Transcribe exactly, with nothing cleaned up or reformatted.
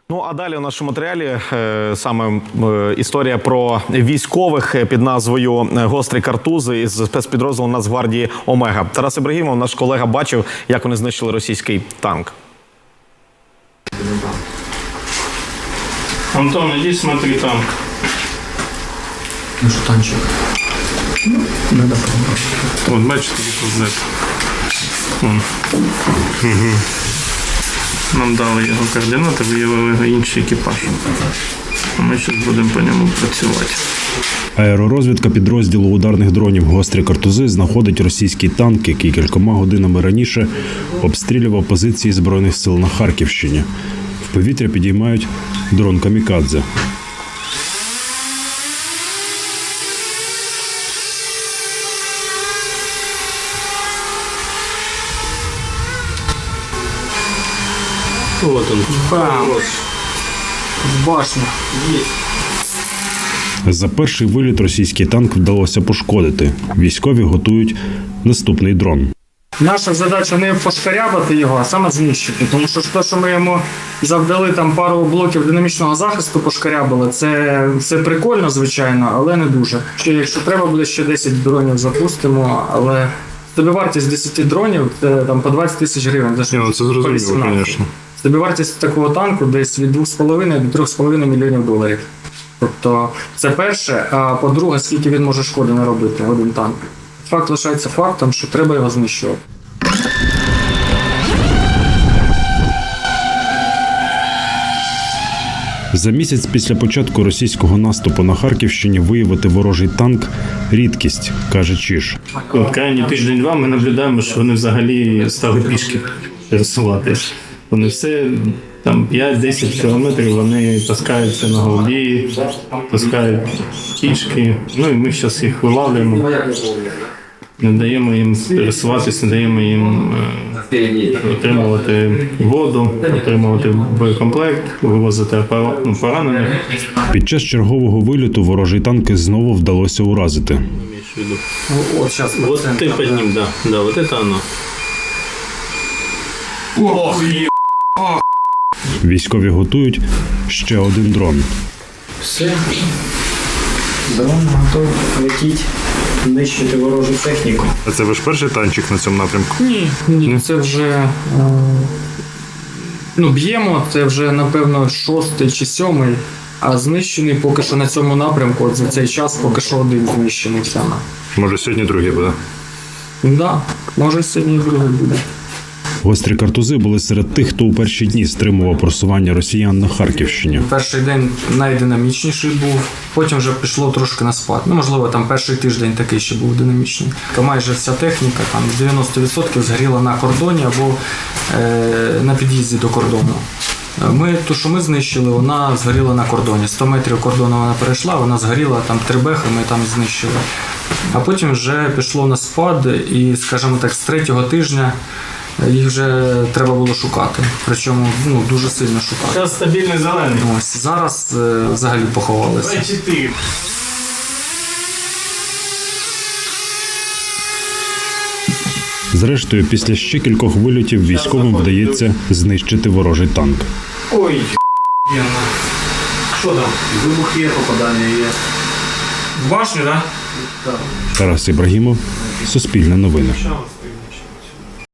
Ну, а далі у нашому матеріалі е, саме е, історія про військових під назвою «Гострі картузи» із спецпідрозділу Нацгвардії «Омега». Тарас Ібрагімов, наш колега, бачив, як вони знищили російський танк. Антон, иди смотри танк. Ну что, танчик? Надо пробовать. Вот, бачите, тут Вон. Угу. Нам дали його координати, виявили його інший екіпаж. А ми зараз будемо по ньому працювати. Аеророзвідка підрозділу ударних дронів «Гострі картузи» знаходить російський танк, який кількома годинами раніше обстрілював позиції Збройних сил на Харківщині. В повітря підіймають дрон «Камікадзе». Вот он. Бам! В башню. За перший виліт російський танк вдалося пошкодити. Військові готують наступний дрон. Наша задача не пошкарябати його, а саме знищити. Тому що те, що ми йому завдали там пару блоків динамічного захисту, пошкарябали, це, це прикольно, звичайно, але не дуже. Ще, якщо треба буде, ще десять дронів запустимо, але собівартість десять дронів – це там по двадцять тисяч гривень. Ні, ну це зрозуміло, звісно. Собівартість такого танку десь від двох з половиною до трьох з половиною мільйонів доларів. Тобто це перше, а по-друге, скільки він може шкоди наробити, один танк. Факт лишається фактом, що треба його знищувати. За місяць після початку російського наступу на Харківщині виявити ворожий танк – рідкість, каже Чиж. От крайні тиждень-два ми наблюдаємо, що вони взагалі стали пішки пересуватись. Вони все, там п'ять-десять кілометрів вони таскаються на голді, таскають кішки. Ну і ми зараз їх вилавлюємо, не даємо їм пересуватися, не даємо їм е, отримувати воду, отримувати боєкомплект, вивозити поранених. Під час чергового виліту ворожий танк знову вдалося уразити. От, зараз. Вот ты под ним, да, да, вот это оно. Ох, є. Військові готують ще один дрон. Все. Дрон готовий летіть, нищити ворожу техніку. А це ваш перший танчик на цьому напрямку? Ні, ні, це вже е, ну, б'ємо, це вже, напевно, шостий чи сьомий, а знищений поки що на цьому напрямку, от за цей час поки що один знищений саме. Може сьогодні другий буде? Так, да, може сьогодні і другий буде. Гострі картузи були серед тих, хто у перші дні стримував просування росіян на Харківщині. Перший день найдинамічніший був, потім вже пішло трошки на спад. Ну, можливо, там перший тиждень такий ще був динамічний. Майже вся техніка, там дев'яносто відсотків згоріла на кордоні або е, на під'їзді до кордону. Ми, ту, що ми знищили, вона згоріла на кордоні. сто метрів кордону вона перейшла, вона згоріла, там три бехи ми там знищили. А потім вже пішло на спад і, скажімо так, з третього тижня їх вже треба було шукати. Причому ну, дуже сильно шукати. Зараз стабільний зелений. Ось, зараз е, взагалі поховалися. чотири. Зрештою, після ще кількох вильотів військовим вдається знищити ворожий танк. Ой, що там? Вибух є, попадання є. В башню, так? Тарас Ібрагімов, Суспільне новини. Да?